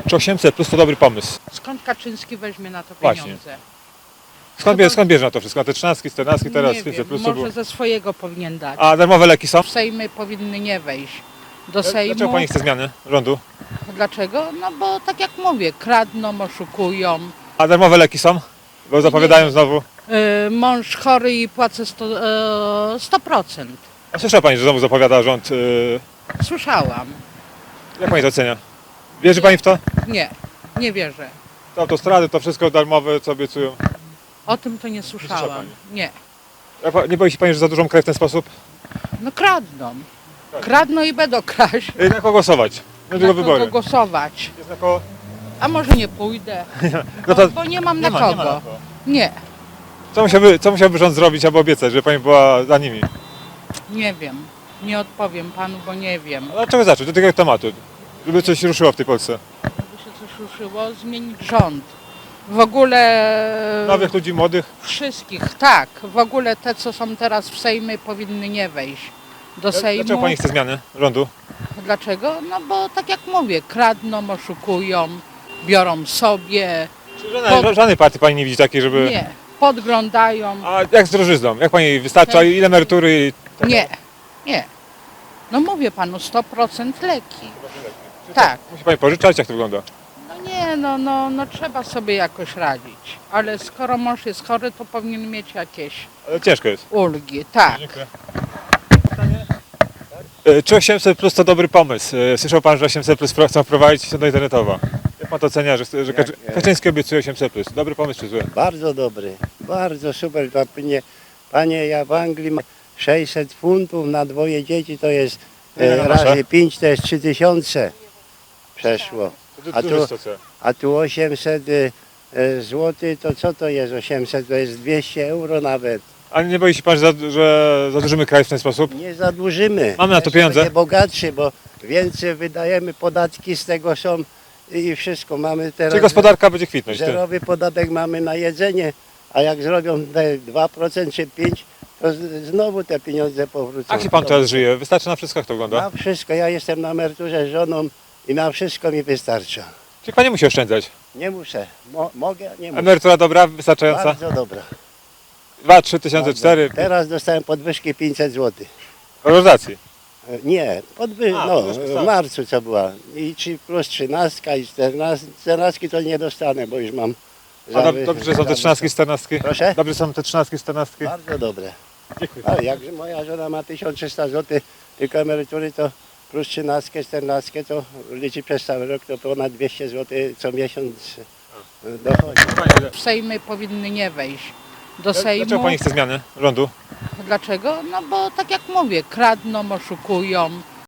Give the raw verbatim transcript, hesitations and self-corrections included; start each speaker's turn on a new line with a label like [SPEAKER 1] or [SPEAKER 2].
[SPEAKER 1] Czy osiemset plus to dobry pomysł?
[SPEAKER 2] Skąd Kaczyński weźmie na to
[SPEAKER 1] Właśnie.
[SPEAKER 2] pieniądze?
[SPEAKER 1] Skąd, bie, skąd bierze na to wszystko? Na te trzynastki, czternastki, teraz
[SPEAKER 2] Nie
[SPEAKER 1] pięćset
[SPEAKER 2] wiem,
[SPEAKER 1] plus to
[SPEAKER 2] może
[SPEAKER 1] było.
[SPEAKER 2] ze swojego powinien dać.
[SPEAKER 1] A darmowe leki są?
[SPEAKER 2] W Sejmy powinny nie wejść do Sejmu.
[SPEAKER 1] Dlaczego pani chce zmiany rządu?
[SPEAKER 2] Dlaczego? No bo tak jak mówię, kradną, oszukują.
[SPEAKER 1] A darmowe leki są? Bo zapowiadają znowu.
[SPEAKER 2] Yy, mąż chory i płacę sto, yy, sto procent.
[SPEAKER 1] A słyszała pani, że znowu zapowiada rząd. Yy,
[SPEAKER 2] Słyszałam.
[SPEAKER 1] jak pani to ocenia? Wierzy pani w to?
[SPEAKER 2] Nie, nie wierzę.
[SPEAKER 1] To autostrady, to wszystko darmowe, co obiecują.
[SPEAKER 2] O tym to nie
[SPEAKER 1] słyszała
[SPEAKER 2] słyszałam.
[SPEAKER 1] pani?
[SPEAKER 2] Nie.
[SPEAKER 1] Jak pa- Nie boi się pani, że zadłużą kraj w ten sposób?
[SPEAKER 2] No kradną. Kradną i będą kraść.
[SPEAKER 1] Yy, na kogo głosować? Niedługo
[SPEAKER 2] Na
[SPEAKER 1] wybory.
[SPEAKER 2] kogo głosować?
[SPEAKER 1] Jest na kogo?
[SPEAKER 2] A może nie pójdę,
[SPEAKER 1] No to
[SPEAKER 2] bo, bo nie mam
[SPEAKER 1] nie
[SPEAKER 2] na
[SPEAKER 1] ma,
[SPEAKER 2] kogo.
[SPEAKER 1] nie ma na kogo.
[SPEAKER 2] Nie,
[SPEAKER 1] Co musiałby, co musiałby rząd zrobić albo obiecać, żeby pani była za nimi?
[SPEAKER 2] nie wiem. Nie odpowiem panu, bo nie wiem.
[SPEAKER 1] Ale od czego zacząć? Do tego tematu. Żeby coś ruszyło w tej Polsce.
[SPEAKER 2] Żeby się coś ruszyło, zmienić rząd. W ogóle
[SPEAKER 1] Nowych ludzi, młodych.
[SPEAKER 2] wszystkich, tak. W ogóle te, co są teraz w Sejmie, powinny nie wejść do Sejmu.
[SPEAKER 1] Dlaczego pani chce zmiany rządu?
[SPEAKER 2] Dlaczego? No bo tak jak mówię, kradną, oszukują, biorą sobie,
[SPEAKER 1] Czy żadnej,
[SPEAKER 2] Pod-
[SPEAKER 1] żadnej partii pani nie widzi takiej, żeby...
[SPEAKER 2] nie, podglądają.
[SPEAKER 1] A jak z drożyzną? Jak pani wystarcza? Ile emerytury? i-
[SPEAKER 2] Nie, nie. No mówię panu, sto procent leki. Tak.
[SPEAKER 1] Musi pani pożyczać? Jak to wygląda?
[SPEAKER 2] No nie, no, no, no trzeba sobie jakoś radzić. Ale skoro mąż jest chory, to powinien mieć jakieś
[SPEAKER 1] Ale ciężko jest.
[SPEAKER 2] ulgi. Tak.
[SPEAKER 1] Dziękuję. E, Czy osiemset plus to dobry pomysł? E, Słyszał pan, że osiemset plus pro- chcą wprowadzić strona internetowa. Jak pan to ocenia, że, że Kaczy-
[SPEAKER 3] Jak, e,
[SPEAKER 1] Kaczyński obiecuje osiemset plus? Dobry pomysł czy zły?
[SPEAKER 3] Bardzo dobry, bardzo super. To Panie, panie, ja w Anglii mam sześćset funtów na dwoje dzieci, to jest
[SPEAKER 1] Ile
[SPEAKER 3] e,
[SPEAKER 1] na nasze?
[SPEAKER 3] razy pięć, to jest trzy tysiące przeszło.
[SPEAKER 1] To
[SPEAKER 3] A
[SPEAKER 1] duży
[SPEAKER 3] tu-
[SPEAKER 1] stosunek.
[SPEAKER 3] A tu osiemset e, e, złotych, to co to jest osiemset? To jest dwieście euro nawet.
[SPEAKER 1] Ale nie boi się pan, że, za- że zadłużymy kraj w ten sposób?
[SPEAKER 3] Nie zadłużymy.
[SPEAKER 1] Mamy na to
[SPEAKER 3] Jeszcze
[SPEAKER 1] pieniądze?
[SPEAKER 3] będzie bogatszy, bo więcej wydajemy, podatki z tego są i wszystko. Mamy teraz
[SPEAKER 1] Czyli gospodarka będzie kwitnąć. Ty.
[SPEAKER 3] zerowy podatek mamy na jedzenie, a jak zrobią te dwa procent czy pięć procent, to z- znowu te pieniądze powrócą.
[SPEAKER 1] Jak się pan teraz żyje? Wystarczy na wszystko, jak to wygląda?
[SPEAKER 3] Na wszystko, ja jestem na emeryturze z żoną i na wszystko mi wystarcza.
[SPEAKER 1] Czyli pan nie musi oszczędzać.
[SPEAKER 3] Nie muszę, Mo, mogę, nie muszę.
[SPEAKER 1] Emerytura dobra, wystarczająca?
[SPEAKER 3] Bardzo dobra.
[SPEAKER 1] dwa, trzy tysiące, cztery
[SPEAKER 3] Teraz dostałem podwyżki pięćset złotych.
[SPEAKER 1] waloryzacji.
[SPEAKER 3] E, Nie, podwy...
[SPEAKER 1] A,
[SPEAKER 3] no,
[SPEAKER 1] podwyżki,
[SPEAKER 3] w
[SPEAKER 1] tak.
[SPEAKER 3] marcu co była. I trzy plus trzynastka i czternastka. czternastki to nie dostanę, bo już mam...
[SPEAKER 1] A
[SPEAKER 3] za
[SPEAKER 1] dob-
[SPEAKER 3] wy-
[SPEAKER 1] dobrze są
[SPEAKER 3] za
[SPEAKER 1] te trzynastki, czternastki?
[SPEAKER 3] Proszę?
[SPEAKER 1] Dobrze są te trzynastki, czternastki?
[SPEAKER 3] Bardzo dobre.
[SPEAKER 1] Dziękuję.
[SPEAKER 3] A jakże moja żona ma tysiąc trzysta złotych tylko emerytury, to plus trzynastkę, czternastkę, to liczy przez cały rok, to ponad dwieście złotych co miesiąc e, dochodzi.
[SPEAKER 2] W Sejmy powinny nie wejść do Sejmu.
[SPEAKER 1] Dlaczego pani chce zmiany rządu?
[SPEAKER 2] Dlaczego? No bo tak jak mówię, kradną, oszukują,